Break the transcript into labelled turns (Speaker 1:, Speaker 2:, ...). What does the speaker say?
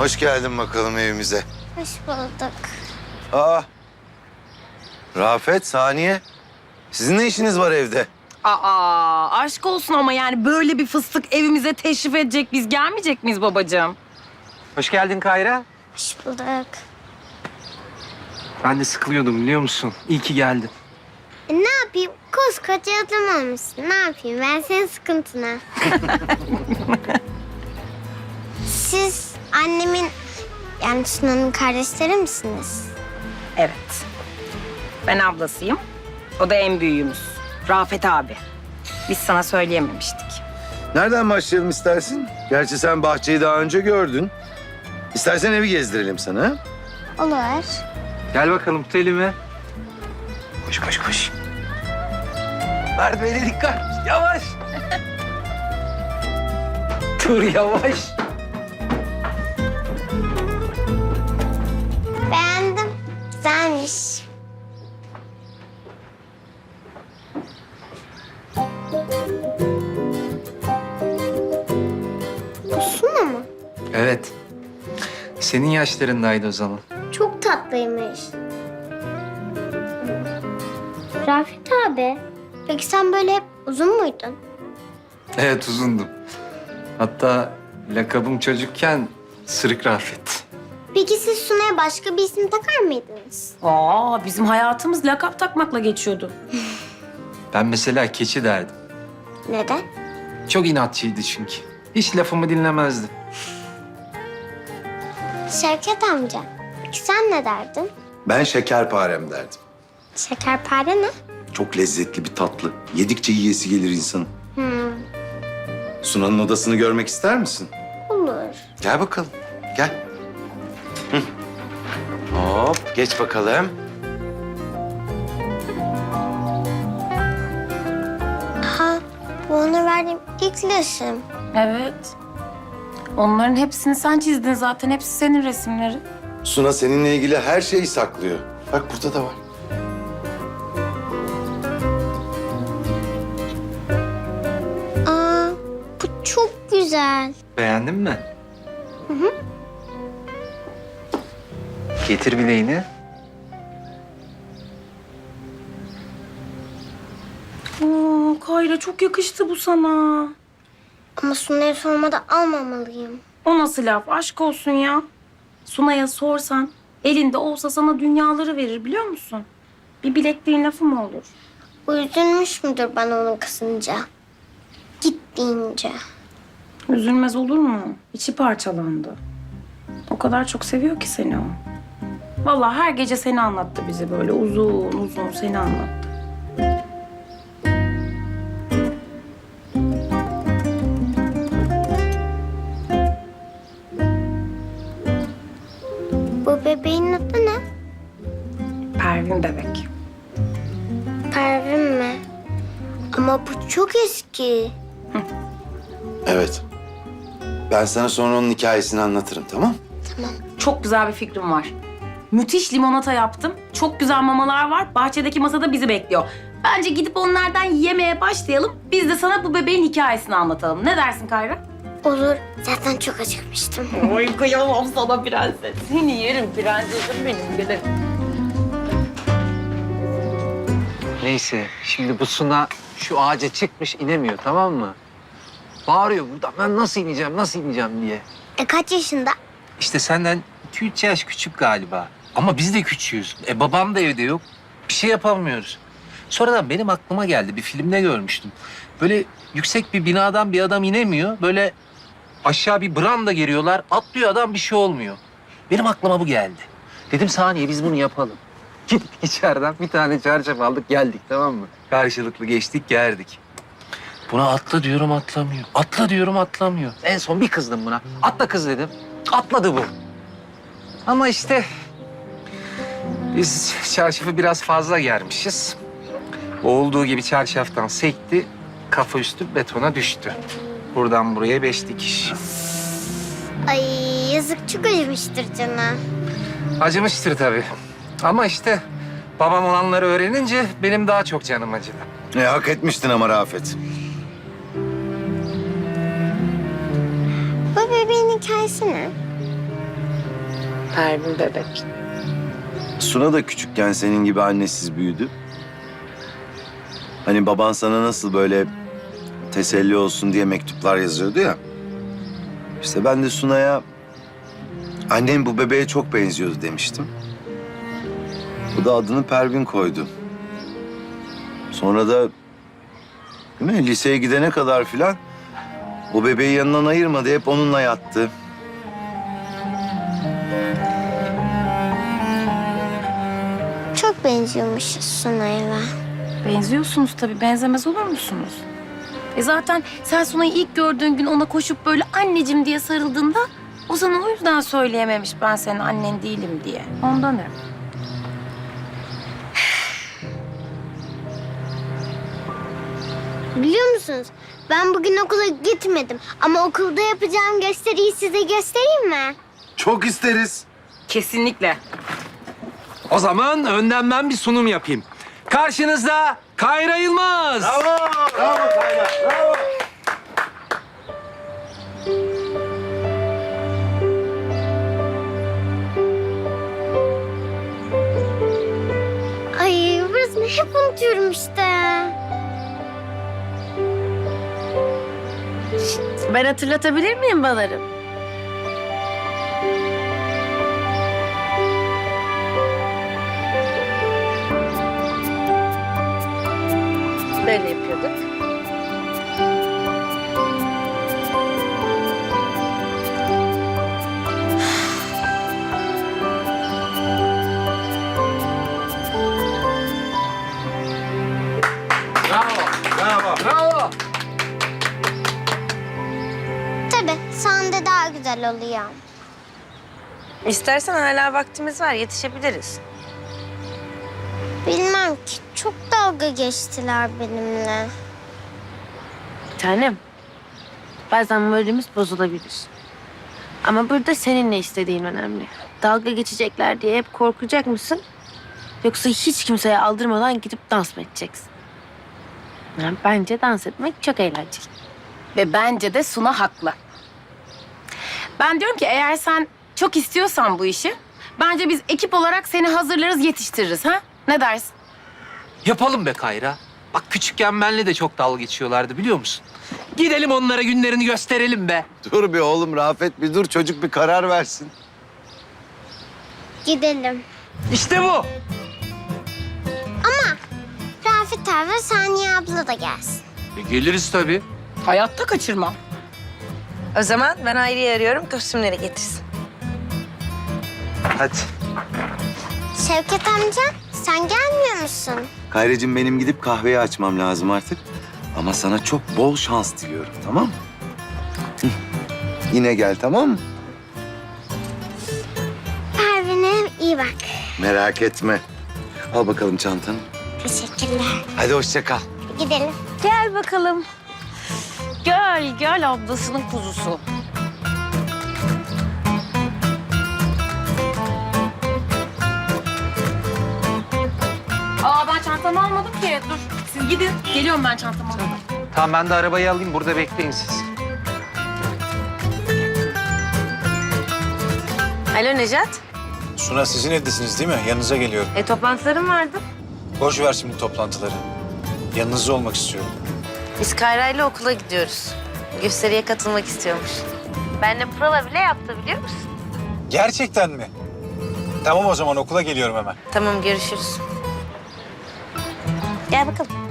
Speaker 1: Hoş geldin bakalım evimize.
Speaker 2: Hoş bulduk.
Speaker 1: Aa, Rafet, Saniye. Sizin ne işiniz var evde?
Speaker 3: Aa, aşk olsun ama yani böyle bir fıstık evimize teşrif edecek, biz gelmeyecek miyiz babacığım?
Speaker 4: Hoş geldin Kayra.
Speaker 2: Hoş bulduk.
Speaker 4: Ben de sıkılıyordum biliyor musun? İyi ki geldin.
Speaker 2: Ne yapayım? Koskoca adam olmuşsun. Ne yapayım? Ben senin sıkıntına. Siz annemin, yani Sunan'ın kardeşleri misiniz?
Speaker 3: Evet. Ben ablasıyım. O da en büyüğümüz. Rafet abi. Biz sana söyleyememiştik.
Speaker 1: Nereden başlayalım istersin? Gerçi sen bahçeyi daha önce gördün. İstersen evi gezdirelim sana. Ha?
Speaker 2: Olur.
Speaker 4: Gel bakalım tut elimi. Koş koş koş. Merdivene dikkat. Yavaş. Dur yavaş.
Speaker 2: Beğendim. Güzelmiş. Bu Suna mı?
Speaker 4: Evet. Senin yaşlarındaydı o zaman.
Speaker 2: Çok tatlıymış. Rafet abi, peki sen böyle hep uzun muydun?
Speaker 4: Evet uzundum. Hatta lakabım çocukken Sırık Rafet.
Speaker 2: Peki siz Suna'ya başka bir isim takar mıydınız?
Speaker 3: Aa, bizim hayatımız lakap takmakla geçiyordu.
Speaker 4: Ben mesela keçi derdim.
Speaker 2: Neden?
Speaker 4: Çok inatçıydı çünkü. Hiç lafımı dinlemezdi.
Speaker 2: Şevket amca, peki sen ne derdin?
Speaker 1: Ben şekerparem derdim.
Speaker 2: Şekerpare ne?
Speaker 1: Çok lezzetli bir tatlı. Yedikçe yiyesi gelir insanın. Sunan'ın odasını görmek ister misin?
Speaker 2: Olur.
Speaker 1: Gel bakalım. Gel. Hı. Hop, geç bakalım.
Speaker 2: Ha, bu ona verdiğim ilk resim.
Speaker 3: Evet. Onların hepsini sen çizdin zaten. Hepsi senin resimleri.
Speaker 1: Suna seninle ilgili her şeyi saklıyor. Bak burada da var.
Speaker 2: Aa, bu çok güzel.
Speaker 4: Beğendin mi? Getir bileğini.
Speaker 3: Aa, Kayra çok yakıştı bu sana.
Speaker 2: Ama Suna'ya sormadan almamalıyım.
Speaker 3: O nasıl laf? Aşk olsun ya. Sunay'a sorsan elinde olsa sana dünyaları verir biliyor musun? Bir bilekliğin lafı mı olur?
Speaker 2: Bu üzülmüş müdür bana onu kısınca? Git deyince.
Speaker 3: Üzülmez olur mu? İçi parçalandı. O kadar çok seviyor ki seni o. Vallahi her gece seni anlattı bize böyle uzun uzun seni anlattı.
Speaker 2: Bu bebeğin adı ne?
Speaker 3: Pervin bebek.
Speaker 2: Pervin mi? Ama bu çok eski.
Speaker 1: Evet. Ben sana sonra onun hikayesini anlatırım, tamam?
Speaker 3: Çok güzel bir fikrim var. Müthiş limonata yaptım. Çok güzel mamalar var. Bahçedeki masada bizi bekliyor. Bence gidip onlardan yemeye başlayalım. Biz de sana bu bebeğin hikayesini anlatalım. Ne dersin Kayra?
Speaker 2: Olur. Zaten çok acıkmıştım.
Speaker 3: Oy kıyamam sana prenses. Seni yerim prensesim benim gülüm.
Speaker 4: Neyse şimdi bu Suna şu ağaca çıkmış inemiyor tamam mı? Bağırıyor burada ben nasıl ineceğim diye.
Speaker 2: Kaç yaşında?
Speaker 4: İşte senden 2-3 yaş küçük galiba. Ama biz de küçüğüz. Babam da evde yok. Bir şey yapamıyoruz. Sonradan benim aklıma geldi. Bir filmde görmüştüm. Böyle yüksek bir binadan bir adam inemiyor. Böyle aşağı bir branda giriyorlar. Atlıyor adam bir şey olmuyor. Benim aklıma bu geldi. Dedim saniye biz bunu yapalım. Gittik içeriden bir tane çarşaf aldık geldik tamam mı? Karşılıklı geçtik geldik. Buna atla diyorum atlamıyor. Atla diyorum atlamıyor. En son bir kızdım buna. Atla kız dedim. Atladı bu. Ama işte biz çarşafı biraz fazla germişiz. O olduğu gibi çarşaftan sekti. Kafa üstü betona düştü. Buradan buraya 5 dikiş.
Speaker 2: Ay yazık çok acımıştır canım.
Speaker 4: Acımıştır tabii. Ama işte babam olanları öğrenince benim daha çok canım acıdı.
Speaker 1: Hak etmiştin ama Rafet.
Speaker 2: Bu bebeğin hikayesi ne?
Speaker 5: Pervin bebek.
Speaker 1: Suna da küçükken senin gibi annesiz büyüdü. Hani baban sana nasıl böyle teselli olsun diye mektuplar yazıyordu ya. İşte ben de Suna'ya annem bu bebeğe çok benziyordu demiştim. Bu da adını Pervin koydu. Sonra da değil mi, liseye gidene kadar filan o bebeği yanından ayırmadı. Hep onunla yattı.
Speaker 2: Çok benziyormuşuz Sunay'a.
Speaker 3: Benziyorsunuz tabii. Benzemez olur musunuz? Zaten sen Sunay'ı ilk gördüğün gün ona koşup böyle anneciğim diye sarıldığında o sana o yüzden söyleyememiş ben senin annen değilim diye. Ondan öyle.
Speaker 2: Biliyor musunuz? Ben bugün okula gitmedim. Ama okulda yapacağım gösteriyi size göstereyim mi?
Speaker 1: Çok isteriz.
Speaker 3: Kesinlikle.
Speaker 4: O zaman önden ben bir sunum yapayım. Karşınızda Kayra Yılmaz.
Speaker 1: Bravo, bravo Kayra, bravo.
Speaker 2: Ay burasını hep unutuyorum işte.
Speaker 5: Ben hatırlatabilir miyim balarım? Böyle yapıyorduk.
Speaker 4: Bravo.
Speaker 2: Tabii sahne daha güzel oluyor.
Speaker 5: İstersen hala vaktimiz var, yetişebiliriz.
Speaker 2: Bilmem ki çok dalga geçtiler benimle.
Speaker 5: Tanem, bazen moralimiz bozulabilir. Ama burada senin ne istediğin önemli. Dalga geçecekler diye hep korkacak mısın? Yoksa hiç kimseye aldırmadan gidip dans mı edeceksin? Yani bence dans etmek çok eğlenceli.
Speaker 3: Ve bence de Suna haklı. Ben diyorum ki eğer sen çok istiyorsan bu işi, bence biz ekip olarak seni hazırlarız, yetiştiririz ha? Ne dersin?
Speaker 4: Yapalım be Kayra. Bak küçükken benle de çok dalga geçiyorlardı biliyor musun? Gidelim onlara günlerini gösterelim be.
Speaker 1: Dur bir oğlum Rafet bir dur çocuk bir karar versin.
Speaker 2: Gidelim.
Speaker 4: İşte bu.
Speaker 2: Rafet abi ve Saniye abla da gelsin.
Speaker 4: Geliriz tabii.
Speaker 3: Hayatta kaçırmam.
Speaker 5: O zaman ben Hayri'yi arıyorum, kostümleri getirsin.
Speaker 4: Hadi.
Speaker 2: Şevket amca sen gelmiyor musun?
Speaker 1: Kayracığım benim gidip kahveyi açmam lazım artık. Ama sana çok bol şans diliyorum tamam mı? Hı. Yine gel tamam mı?
Speaker 2: Pervin'e iyi bak.
Speaker 1: Merak etme. Al bakalım çantanı.
Speaker 2: Teşekkürler.
Speaker 1: Hadi hoşça kal.
Speaker 2: Gidelim.
Speaker 5: Gel bakalım.
Speaker 3: Gel ablasının kuzusu. Aa ben çantamı almadım ki. Dur siz gidin. Geliyorum ben çantamı alıp.
Speaker 4: Tamam ben de arabayı alayım burada bekleyin siz.
Speaker 5: Alo Necat.
Speaker 6: Suna sizin evdesiniz değil mi? Yanınıza geliyorum.
Speaker 5: Toplantılarım vardı.
Speaker 6: Boş ver şimdi toplantıları. Yanınızda olmak istiyorum.
Speaker 5: Biz Kayra'yla okula gidiyoruz. Gösteriye katılmak istiyormuş. Benle prova bile yaptı biliyor musun?
Speaker 6: Gerçekten mi? Tamam o zaman okula geliyorum hemen.
Speaker 5: Tamam görüşürüz. Gel bakalım.